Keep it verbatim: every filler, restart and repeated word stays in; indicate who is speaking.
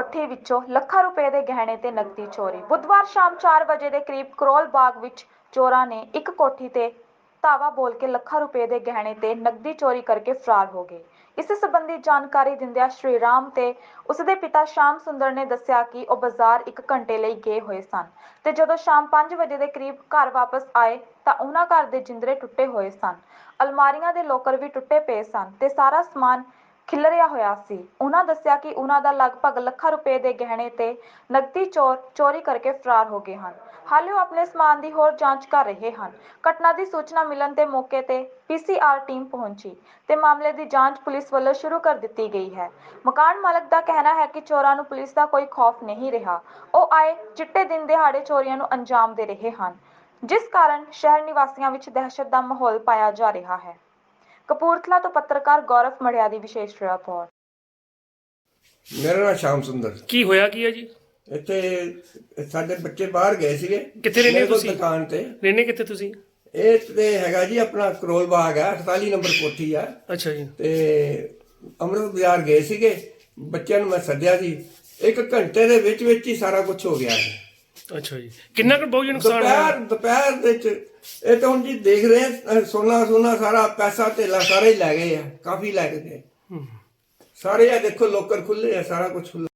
Speaker 1: ਕੋਠੀ ਵਿੱਚੋਂ ਲੱਖਾਂ ਰੁਪਏ ਦੇ ਗਹਿਣੇ ਤੇ ਨਕਦੀ ਚੋਰੀ। ਬੁੱਧਵਾਰ ਸ਼ਾਮ ਚਾਰ ਵਜੇ ਦੇ ਕਰੀਬ ਕਰੋਲ ਬਾਗ ਵਿੱਚ ਚੋਰਾਂ ਨੇ ਇੱਕ ਕੋਠੀ ਤੇ ਧਾਵਾ ਬੋਲ ਕੇ ਲੱਖਾਂ ਰੁਪਏ ਦੇ ਗਹਿਣੇ ਤੇ ਨਕਦੀ ਚੋਰੀ ਕਰਕੇ ਫਰਾਰ ਹੋ ਗਏ। ਇਸ ਸੰਬੰਧੀ ਜਾਣਕਾਰੀ ਦਿੰਦਿਆਂ ਸ਼੍ਰੀ ਰਾਮ ਤੇ ਉਸਦੇ ਪਿਤਾ ਸ਼ਾਮ ਸੁੰਦਰ ਨੇ ਦੱਸਿਆ ਕਿ ਉਹ ਬਾਜ਼ਾਰ ਇੱਕ ਘੰਟੇ ਲਈ ਗਏ ਹੋਏ ਸਨ ਤੇ ਜਦੋਂ ਸ਼ਾਮ ਪੰਜ ਵਜੇ ਦੇ ਕਰੀਬ ਘਰ ਵਾਪਸ ਆਏ ਤਾਂ ਉਹਨਾਂ ਘਰ ਦੇ ਜਿੰਦਰੇ ਟੁੱਟੇ ਹੋਏ ਸਨ। ਅਲਮਾਰੀਆਂ ਦੇ ਲੋਕਰ ਵੀ ਟੁੱਟੇ ਪਏ ਸਨ ਤੇ ਸਾਰਾ ਸਮਾਨ ਖਿਲਰਿਆ ਹੋਇਆ ਸੀ। ਉਹਨਾਂ ਦੱਸਿਆ ਕਿ ਉਹਨਾਂ ਦਾ ਲਗਭਗ ਲੱਖਾਂ ਰੁਪਏ ਦੇ ਗਹਿਣੇ ਤੇ ਨਕਦੀ ਚੋਰ ਚੋਰੀ ਕਰਕੇ ਫਰਾਰ ਹੋ ਗਏ ਹਨ। ਹਾਲੇ ਉਹ ਆਪਣੇ ਸਮਾਨ ਦੀ ਹੋਰ ਜਾਂਚ ਕਰ ਰਹੇ ਹਨ। ਘਟਨਾ ਦੀ ਸੂਚਨਾ ਮਿਲਣ ਤੇ ਮੌਕੇ ਤੇ ਪੀ ਸੀ ਆਰ ਟੀਮ ਪਹੁੰਚੀ ਤੇ ਮਾਮਲੇ ਦੀ ਜਾਂਚ ਪੁਲਿਸ ਵੱਲੋਂ ਸ਼ੁਰੂ ਕਰ ਦਿੱਤੀ ਗਈ ਹੈ। ਮਕਾਨ ਮਾਲਕ ਦਾ ਕਹਿਣਾ ਹੈ ਕਿ ਚੋਰਾਂ ਨੂੰ ਪੁਲਿਸ ਦਾ ਕੋਈ ਖੌਫ ਨਹੀਂ ਰਿਹਾ। ਉਹ ਆਏ ਚਿੱਟੇ ਦਿਨ ਦਿਹਾੜੇ ਚੋਰੀਆਂ ਨੂੰ ਅੰਜਾਮ ਦੇ ਰਹੇ ਹਨ, ਜਿਸ ਕਾਰਨ ਸ਼ਹਿਰ ਨਿਵਾਸੀਆਂ ਵਿੱਚ ਦਹਿਸ਼ਤ ਦਾ ਮਾਹੌਲ ਪਾਇਆ ਜਾ ਰਿਹਾ ਹੈ। ਕਪੂਰਥਲਾ ਤੋਂ ਪੱਤਰਕਾਰ ਗੌਰਵ ਮੜਿਆ ਦੀ ਵਿਸ਼ੇਸ਼ ਰਿਪੋਰਟ।
Speaker 2: ਮੇਰਾ ਨਾਮ ਸ਼ਾਮ ਸੁੰਦਰ।
Speaker 3: ਕੀ ਹੋਇਆ ਕੀ ਹੈ ਜੀ?
Speaker 2: ਇੱਥੇ ਸਾਡੇ ਬੱਚੇ ਬਾਹਰ ਗਏ ਸੀਗੇ।
Speaker 3: ਕਿੱਥੇ ਰਹਿੰਦੇ ਹੋ
Speaker 2: ਮੇਰੇ ਕੋਲ
Speaker 3: ਤੁਸੀਂ?
Speaker 2: ਦੁਕਾਨ ਤੇ।
Speaker 3: ਰਹਿੰਦੇ ਕਿੱਥੇ ਤੁਸੀਂ?
Speaker 2: ਇਹ ਤੇ ਹੈਗਾ ਜੀ ਆਪਣਾ ਕਰੋਲ ਬਾਗ ਹੈ, ਅਠਤਾਲੀ ਨੰਬਰ ਕੋਠੀ ਆ।
Speaker 3: ਅੱਛਾ ਜੀ।
Speaker 2: ਤੇ ਅੰਮ੍ਰਿਤ ਬਾਜ਼ਾਰ ਗਏ ਸੀਗੇ, ਬੱਚਿਆਂ ਨੂੰ ਮੈਂ ਸੱਦਿਆ ਸੀ। ਇੱਕ ਘੰਟੇ ਦੇ ਵਿੱਚ ਵਿੱਚ ਹੀ ਸਾਰਾ ਕੁਝ ਹੋ ਗਿਆ।
Speaker 3: ਅੱਛਾ ਜੀ। ਕਿੰਨਾ ਕੁ ਬਹੁਤ ਨੁਕਸਾਨ ਹੋਇਆ?
Speaker 2: ਦੁਪਹਿਰ ਦੁਪਹਿਰ ਦੇ ਵਿੱਚ ਇਹ ਤਾਂ ਹੁਣ ਜੀ ਦੇਖ ਰਹੇ ਆ, ਸੋਨਾ ਸੋਨਾ ਸਾਰਾ ਪੈਸਾ ਧੇਲਾ ਸਾਰਾ ਹੀ ਲੈ ਗਏ ਆ, ਕਾਫੀ ਲੈ ਕੇ ਗਏ ਸਾਰੇ। ਆ ਦੇਖੋ ਲੋਕਰ ਖੁੱਲੇ ਆ, ਸਾਰਾ ਕੁਝ ਖੁੱਲ੍ਹਾ।